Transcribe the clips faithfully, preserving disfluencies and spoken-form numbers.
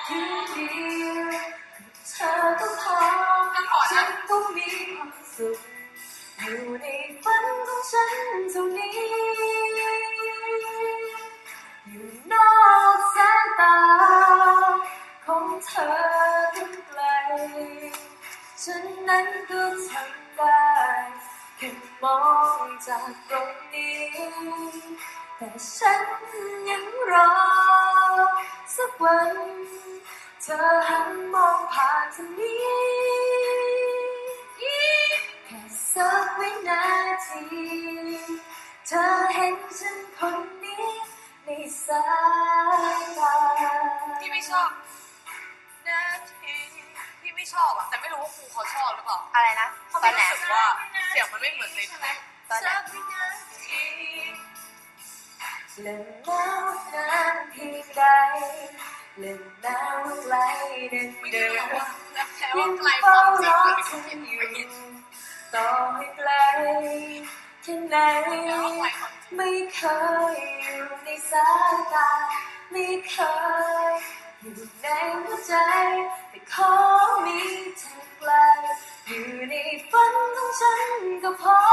อยู่เดียวเธอก็พอฉันก็มีความสุขอยู่ในฝันของฉันเท่านี้อยู่นอกสายตาของเธอทั้งไกลฉันนั้นก็ทำได้แค่มองจากตรงนี้แต่ฉันยังรอสักวันเธอหันมองผ่านทางนี้แค่สักวินาทีเธอเห็นฉันคนนี้ในสายตาพี่ไม่ชอบนาทีพี่ไม่ชอบอะแต่ไม่รู้ว่าครูเขาชอบหรือเปล่าอะไรนะตอนไหนรู้สึกว่าเสียงมันไม่เหมือนในเพลงตอนไหนเล่นน้ำนานเพียงใดเล่นน้ำไกลเดินเดินยังไกลความจริงมันเป็นของพี่อยู่ต่อให้ไกลแค่ไหนไม่เคยอยู่ในสายตาไม่เคยอยู่ในหัวใจแต่ขอมีเธอไกลอยู่ในฝันของฉันก็พอ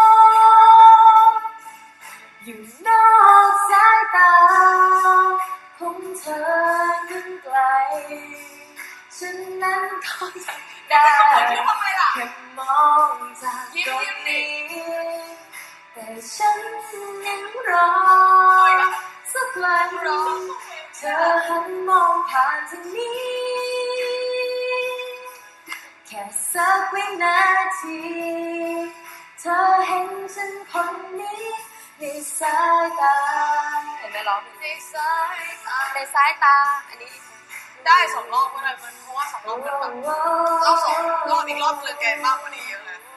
อยู่นอกสายตาของเธอนั้นไกลฉันนั้นก็ได้แค่มองจากตรงนี้แต่ฉันยังรอสักวันเธอหันมองผ่านทางนี้แค่สักวินาทีเธอเห็นฉันคนนี้ในสายตาเห็นไหมร้องในสายตาในสายตาอันนี้ได้สองรอบก็ได้เพราะว่าสองรอบมันแบบรอบสองรอบอีกรอบเลยแกมากกว่านี้เยอะเลย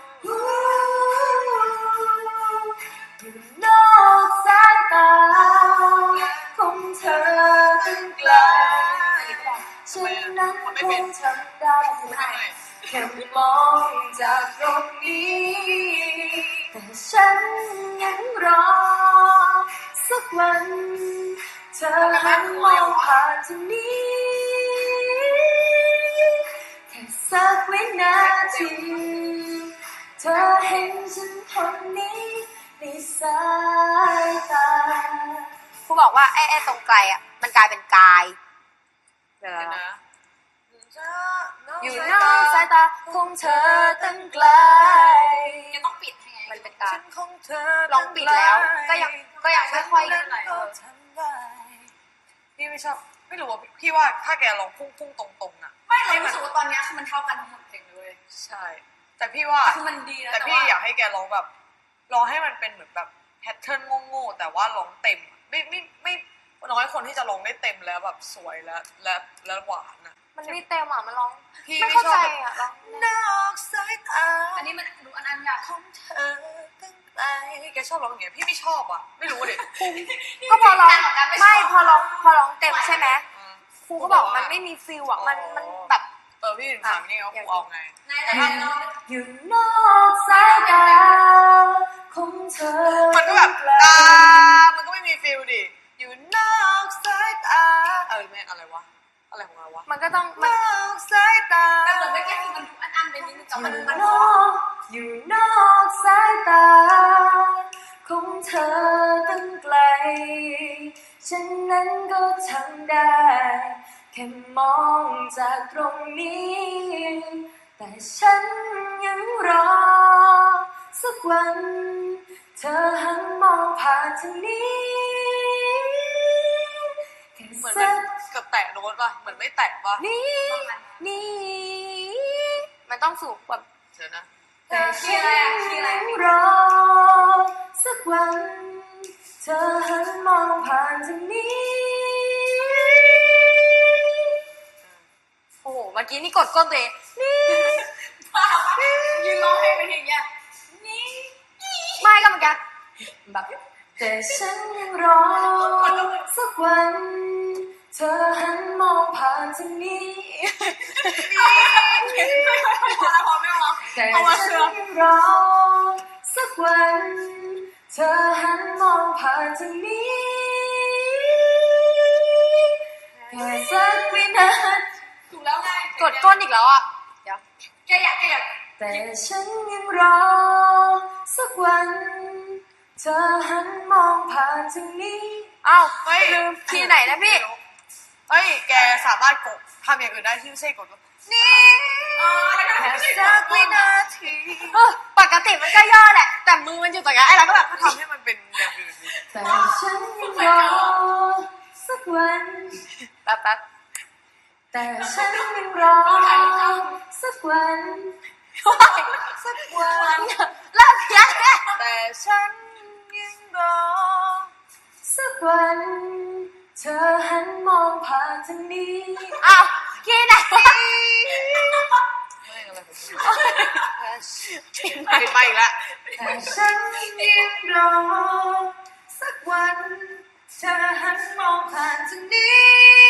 อยู่นอกสายตาของเธอตั้งไกลฉันนั้นคงทำได้แค่มองจากตรงนี้แต่ฉันยังรอสักวันเธอหันมองผ่านทางนี้แค่สักวินาทีเธอเห็นฉันคนนี้ในสายตาครูบอกว่าไอ้ไอ้ตรงไกลอ่ะมันกลายเป็นกายเดี๋ยวนะอยู่นอกสายตาของเธอตั้งไกลยังต้องปิดให้ไงมันเป็นการลองปิดแล้วก็ยังก็ยังไม่ค่อยพี่ไม่ชอบไม่รู้ว่าพี่ว่าถ้าแกลองพุ่งพุ่งตรงๆอ่ะไม่เรารู้สึกว่าตอนนี้คือมันเท่ากันทั้งหมดเพลงเลยใช่แต่พี่ว่าคือมันดีนะแต่พี่อยากให้แกลองแบบลองให้มันเป็นเหมือนแบบแพทเทิร์นโง่ๆแต่ว่าร้องเต็มไม่ไม่ไม่น้อยคนที่จะร้องได้เต็มแล้วแบบสวยและและและหวานนะมันไม่เต็มอ่ะมันร้องพี่ไม่ชอบอ่ะร้องนอกสายตาอันนี้มันดูอันอันอยากของเธอตั้งไกลแกชอบร้องอย่างเงี้ยพี่ไม่ชอบอ่ะไม่รู้ดิก็พอร้องไม่พอร้องพอร้องเต็มใช่ไหมครูก็บอกมันไม่มีฟิลอ่ะมันมันแบบเออพี่ถึงถามนี่เขาครูเอาไงอยู่นอกสายตาของเธอมันก็แบบตามันก็ไม่มีฟิลดิอยู่นอกสายตาเออแม่อะไรวะอะไรของเราวะมันก็ต้องนอกสายตาแต่เหมือนไม่แก้คือมันดูอันอันไปนิดนึงแต่มันมันอยู่นอกสายตาของเธอตั้งไกลฉันนั้นก็ทำได้แค่มองจากตรงนี้แต่ฉันยังรอสักวันเธอหันมองผ่านทางนี้เหมือนมันเกือบแตะโน้ตป่ะเหมือนไม่แตะป่ะนี่นี่มันต้องสูงแบบเดี๋ยวนะแต่ฉันยังรอสักวันเธอหันมองผ่านทางนี้โอ้โหเมื่อกี้นี่กดก้นตัวเองนี่ยืนร้องเพลงเป็นอย่างเงี้ยนี่ไม่ก็เหมือนกันแบบแต่ฉันยังรอสักวันเธอหันมองผ่านทางนี้แต่ฉันยังรอสักวันเธอหันมองผ่านทางนี้แค่สักวินากดก้นอีกแล้วอ่ะเดี๋ยวแกอยากแกอยากแต่ฉันยังรอสักวัน เธอหันมองผ่านทางนี้อ้าวเฮ้ยลืมคีย์ไหนนะพี่เฮ้ยแกสามารถกดทำอย่างอื่นได้ที่ไม่ใช่กดว่านี่แค่สัสักกวิวินานาทีทีเออปกติมันก็ย่อแหละ แต่มือมันอยู่ตรงนี้ไอ้เราก็แบบก็ทำให้มันเป็นอย่างอื่นดิแต่ฉันยังรอสักวันแป๊บแป๊บแต่ฉันยังรอสักวันสักวันเลิกเพี้ยนแล้วแต่ฉันยังรอสักวัน เธอหันมองผ่านทางนี้อ้าวคีย์ไหนวะไม่อะไรผมปิดไปอีกแล้วแต่ฉันยังรอสักวัน เธอหันมองผ่านทางนี้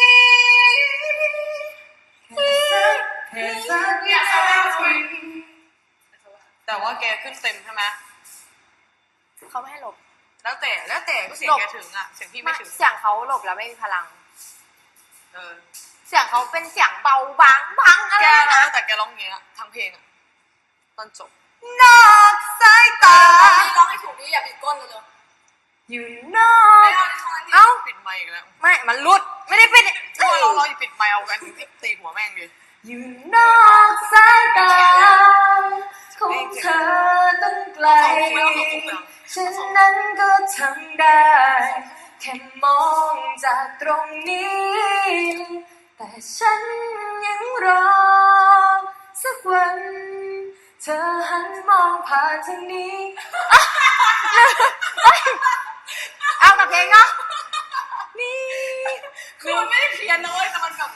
แค่สักแค่สักวินาทีแต่ว่าแกขึ้นเต็มใช่ไหมเขาไม่ให้หลบแล้วแต่แล้วแต่ก็เสียงหลบแกถึงอ่ะเสียงพี่ไม่ถึงเสียงเขาหลบแล้วไม่มีพลังเออเสียงเขาเป็นเสียงเบาบางบังอะไรแกนะนะแต่แกร้องอย่างเงี้ยทั้งเพลงอ่ะตอนจบนอกสายตาร้องให้ถูกดิอย่าบิดก้นเลยอยู่นอกเอ้าปิดไมค์อีกแล้วไม่ มันรุด ไม่ได้ปิดถ้าเราเราอย่าปิดไมค์เอากันตีหัวแม่งดิอยู่นอกสายตาของเธอตั้งไกล ฉันนั้นก็ทำได้ แค่มองจากตรงนี้ แต่ฉันยังรอสักวัน เธอหันมองผ่านทางนี้เอากับเพลงเนาะนี่คือมันไม่ได้เพี้ยนนะเว้ยแต่มันแบบ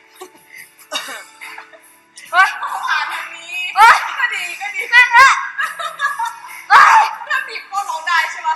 เฮ้ยผ่านทางนี้เฮ้ยก็ดีก็ดีแม่งละเฮ้ยถ้าบีบก็ร้องได้ใช่ปะ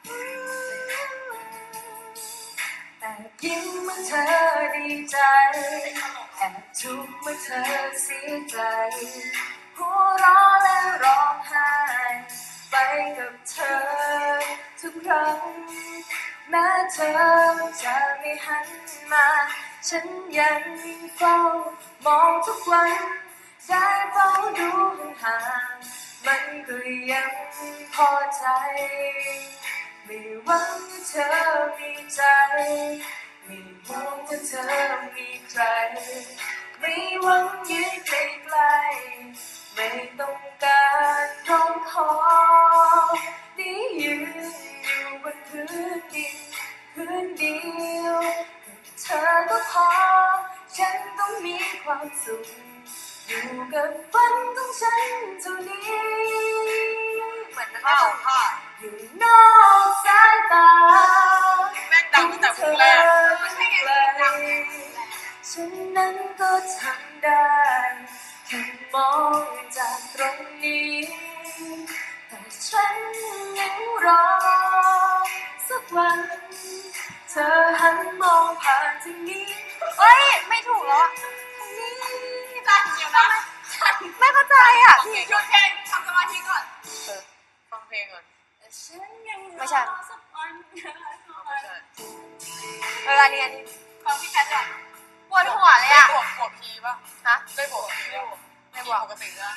แอบยิ้มเมื่อเธอดีใจ แอบทุกข์เมื่อเธอเสียใจ หัวเราะและร้องไห้ ไปกับเธอทุกครั้ง แม้เธอจะไม่หันมา ฉันยังเฝ้ามองทุกวัน ได้เฝ้าดูห่างๆมันก็ยังพอใจ ไม่หวังว่าเธอมีใจ ไม่ห่วงว่าเธอมีใคร ไม่หวังยืนใกล้ๆไม่ต้องการร้องขอได้ยืนอยู่บนพื้นดินพื้นเดียวเธอก็พอ ฉันต้องมีความสุข อยู่กับฝันของฉันเท่านี้เหมือนมันข้าไม่วผ้าอยู่นอกสายตาแม่งดังตั้งแต่เพลงแรกไม่ใช่ไงดังฉันนั้นก็ทำได้แค่มองจากตรงนี้ แต่ฉันยังรอสักวัน เธอหันมองผ่านทางนี้เฮ้ย ไม่ถูกแล้วอะทางนี้จันเดียวนะไม่เข้าใจอ่ะหยุดเพลงทำสมาธิก่อนเออฟังเพลงก่อนแต่ฉันยังรอไม่ใช่สักวันไม่ใช่เอออันนี้อันนี้ฟังพี่แคทก่อนปวดหัวเลยได้อ่ะบวกบวกพีป่ะฮะได้บวกพีได้บวกไม่บวกปกตินะ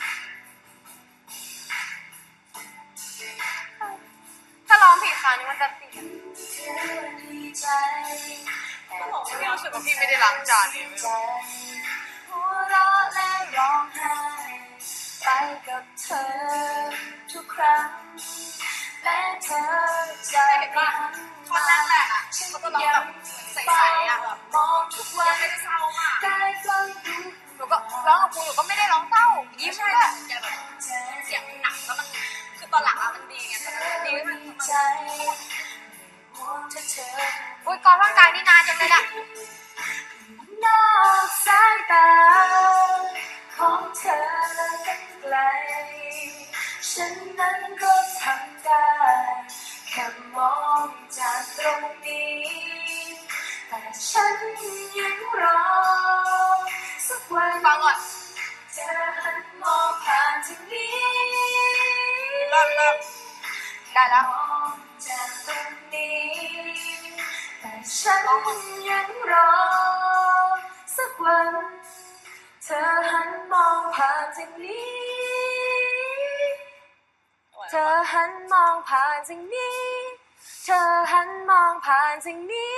ถ้าร้องผิดคราวนี้มันจะติดเธอดีใจแอบพี่รู้สึกว่าพี่ไม่ได้ล้างจานเองไม่ใจรู้หัวเราะและร้องไห้ ไปกับเธอทุกครั้ง และเธอจะไม่หันท่อนมาแรกๆอ่ะเขาก็ร้องแบบใสๆอ่ะมองทุกวันไม่ได้เศร้ามากได้ฟังดูหนูก็ร้องกับครูหนูก็ไม่ได้ร้องเศร้า ยิ้มใช่ด้วยแกแบบเสียงหนักแล้วมันคือตอนหลังอะมันดีไงตอนนั้นมันดีมันดีใจห่วงถ้าเธออุ้ยกองร่างกายนี่นานจังเลยเนี่ยนอกสายตาของเธอตั้งไกล ฉันนั้นก็ทำได้ แค่มองจากตรงนี้ แต่ฉันยังรอสักวันฟังก่อนเธอหันมองผ่านทางนี้เริ่มเริ่มได้แล้วมองจากตรงนี้ แต่ฉันยังรอสักวัน เธอานจากนี้เธอหันมองผ่านจากนี้เธอหันมองผ่านจากนี้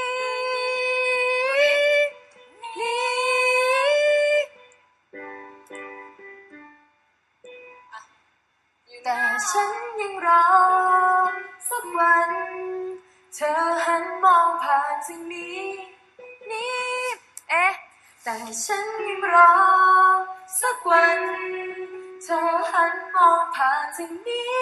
นี่แต่ฉันยังรอสักวันเธอหันมองผ่านจากนี้นี่เอ๊ะแต่ฉันยังรอสักวันเธอหันมองผ่านจากนี้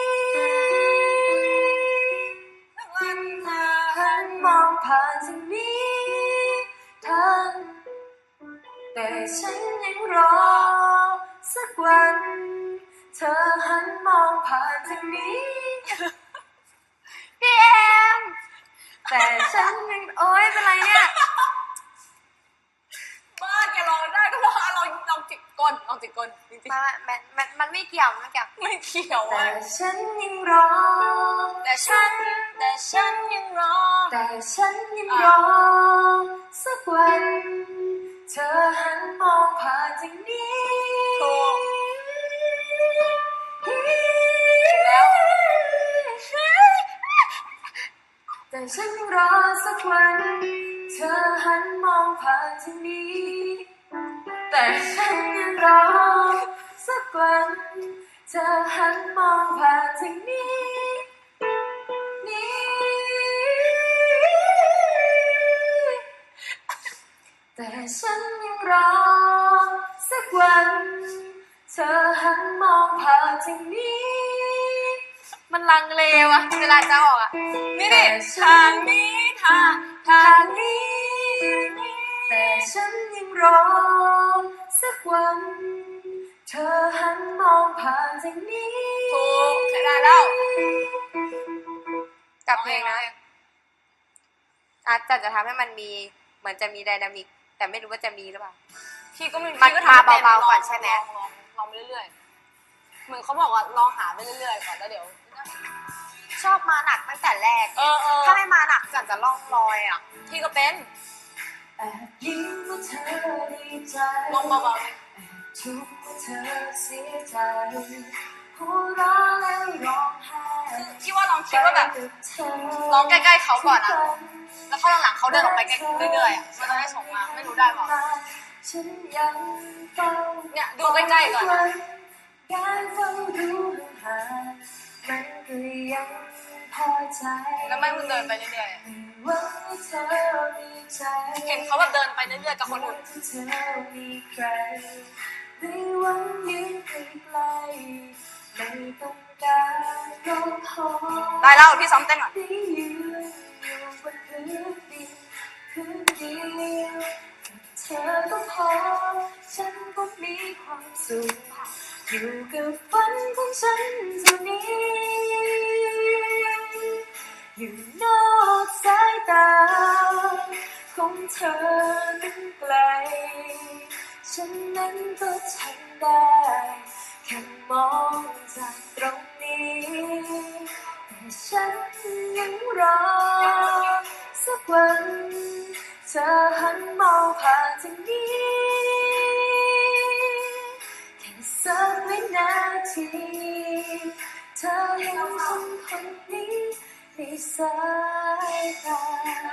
วันเธอหันมองผ่านจากนี้ทั้งแต่ฉันยังรอสักวันเธอหันมองผ่านจากนี้พี่เอ็มแต่ฉันยังโอ๊ยเป็นไรเนี่ยบ้าแกลองได้ก็ลองลองลองจิกก้นลองจิกก้นจริงๆมันมันมันมันไม่เกี่ยวไม่เกี่ยวไม่เกี่ยวแต่อะฉันยังรอแต่ฉันแต่ฉันยังรอแต่ฉันยังรอสักวันเธอหันมองผ่านจากนี้ถูกแล้วแต่ฉันยังรอสักวันเธอหันมองผ่านจากนี้แต่ฉันยังรอสักวันเธอหันมองผ่านจากนี้นี่แต่ฉันยังรอสักวันเธอหันมองผ่านจากนี้มันลังเลวะเวลาจะออกอ่ะนี่ดิทางนี้ทางทาทาง งนี้แต่ฉันยังรอสักวันเธอหันมองผ่านจากนี้ถูกใช้ได้แล้วกับเพลงนะอาจจะจะทำให้มันมีเหมือนจะมีไดนามิกแต่ไม่รู้ว่าจะมีหรือเปล่าพี่ก็ไม่มันพี่ก็ทำมาไม่ป็เบาๆลงก่อนใช่ไหมลองลองลองไปเรื่อยๆเหมือนเขาบอกว่าลองหาไปเรื่อยๆก่อนแล้วเดี๋ยวชอบมาหนักตั้งแต่แรกเออเออถ้าไม่มาหนักจันจะล่องลอยอ่ะพี่ก็เป็นแอบยิ้มว่าเธอดีใจลองเบาๆเลยทุกข์ว่าเธอเสียใจหัวเราะแล้วร้องไห้คือพี่ว่าลองคิดว่าแบบไปกับเธอร้องใกล้ๆเขาก่อนอะ แล้วเข้าหลังๆเขาเดินออกไปใกล้เรื่อยๆอะมันจะได้ส่งมาไม่รู้ได้เปล่าฉันยังเฝ้าเนี่ยดูใกล้ๆก่อนอะการเฝ้าดูห่างๆมันก็ยังพอใจแล้วไม่มึงเดินไปเรื่อยๆอะหวังว่าเธอมีใจเห็นเขาแบบเดินไปเรื่อยๆกับคนอื่นที่เธอมีใครไม่หวังยืนใกล้ๆไม่ต้องการก็พอได้แล้วพี่ซ้อมเต้นก่อนได้ยืนอยู่บนพื้นดินพื้นเดียวเธอก็พอฉันก็มีความสุขอยู่กับฝันของฉันเท่านี้อยู่นอกสายตาของเธอนั้นไกลฉันนั้นก็ทำได้แค่มองจากตรงนี้แต่ฉันยังรอสักวันเธอหันมองผ่านจากนี้แค่สักวินาทีเธอเห็นฉันคนนี้ในสายตา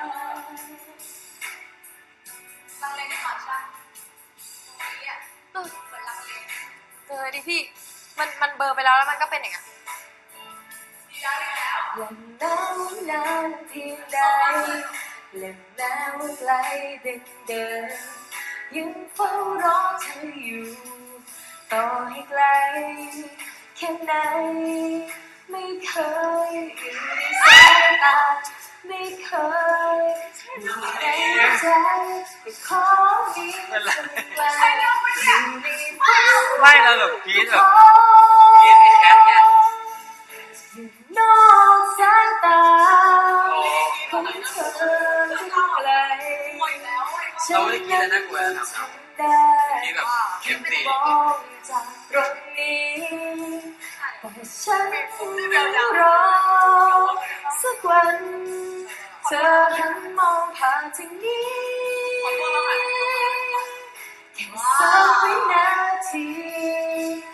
ลังเลได้ก่อนใช่ไหมตรงนี้อ่ะเหมือนลังเลเออดิพี่มันมันเบลอร์ไปแล้วแล้วมันก็เป็นอย่างเงี้ยดีแล้วดีแล้วยังหนาวนานเพียงใดและแม้ว่าไกลดินเดินยังเฝ้ารอเธออยู่ต่อให้ไกลแค่ไหนไม่เคยอยู่ในสายตาไม่เคยอยู่ในหัวใจแต่ขอมีเธอไกลอยู่ในฝันไม่เราแบบกรี๊ดแบบกรี๊ดไม่แคทไงอยู่นอกสายตาของเธอที่ไกลหมดแล้วเราไม่ได้กรี๊ดแล้วน่ากลัวนะทำได้กรี๊ดแบบเข็มตีมองจากตรงนี้แต่ฉันยังรอสักวันเธอหันมองผ่านทางนี้แค่สักวินาที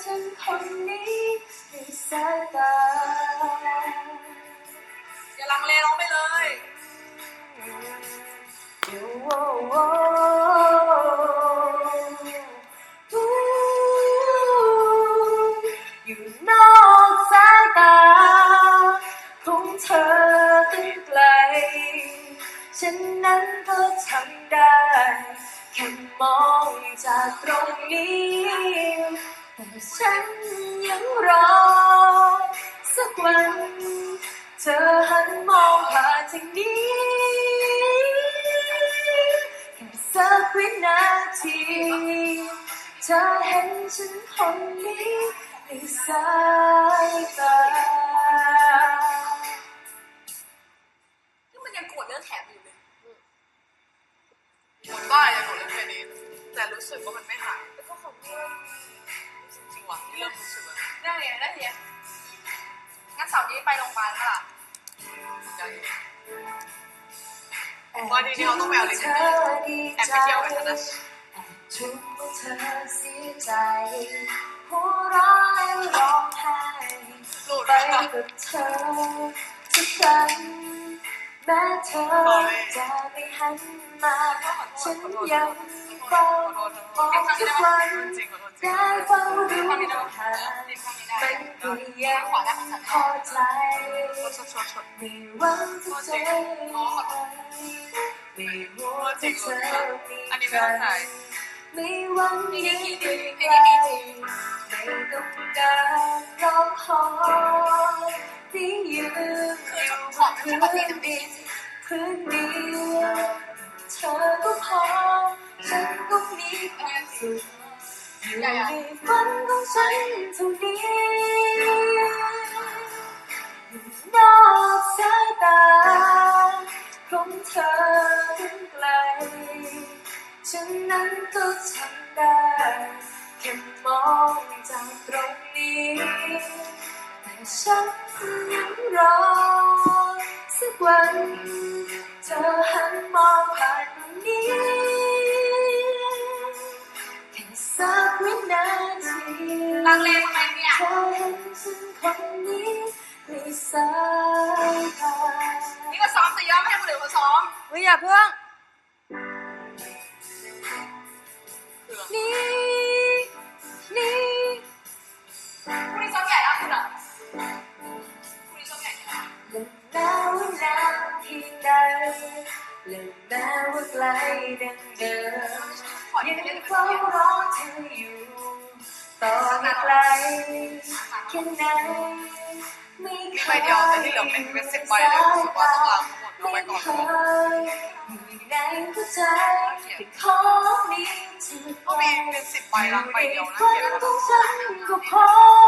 ฉันคนนี้ในสายตาอย่าลังเลร้องไปเลยอยู่โอ้โอ้อู้อยู่นอกสายตาของเธอตั้งไกล ฉันนั้นก็ทำได้แค่มองจากตรงนี้แต่ฉันยังรอสักวันเธอหันมองผ่านทางนี้แค่สักวินาทีเธอเห็นฉันคนนี้ในสายตานี่มันยังโกรธเรื่องแถบอยู่เลยหมดบ้าอย่างหนูเล่นแค่นี้แต่รู้สึกว่ามันไม่หายแล้วก็ของเรื่องจริงๆว่ะที่เริ่มรู้สึกแบบได้เลยได้เลยงั้นเสาร์นี้ไปโรงพยาบาลเปล่าได้วันนี้เราต้องไปเอาลิ้นแอบไปเที่ยวกันนะทุกเมื่อเธอเสียใจหัวเราะและร้องไห้หลุดไปแล้วกับเธอทุกครั้งแม้เธอจะไม่หันมาฉันยังเฝ้ามองทุกวันได้เฝ้าดูหาไม่เพียงพอใจไม่หวังจะเจอไม่รู้ว่าจะเจอมีใครไม่หวังยังไม่ไกลไม่ต้องการรอคอยที่ยืนอยู่บนพื้นดินพื้นเดียวเธอก็พอฉันก็มีความสุขอยู่ในฝันของฉันเท่านี้อยู่นอกสายตาของเธอทั้งไกลฉันนั้นก็ทำได้แค่มองจากตรงนี้แต่ฉันยังรอสักวันเธอหันมองผ่านตรงนี้แค่สักวินาทีลังเลทำไมเนี่ยเธอเห็นฉันคนนี้ในสายตานี่ก็ซ้อมแต่ย้อมไม่ให้คนอื่นเขาซ้อมเฮ้ยอย่าเพิ่งนี่นี่พรุ่งนี้ซ้อมใหญ่แล้วคุณอ่ะพรุ่งนี้ซ้อมใหญ่เนี่ยและแม้ว่านานเพียงใดและแม้ว่าไกลดังเดิมขอยัที่งจะเล่นเป็นเฝ้าเพื่อนรอเธออยู่ต่อให้ไกลแค่ไหนไม่มีเคใบยเดียวแต่ที่เหลือเป็นเป็นสิบใบเลยรู้สึกว่าต้องล้างทั้งหมดเอาไว้ก่อนไม่เคยอยู่ในหัวใจเป็นของนี้ที่ก็มีเป็นสิบใบล้างใบเดียวนะฝันเขียนของมาฉันก็พอ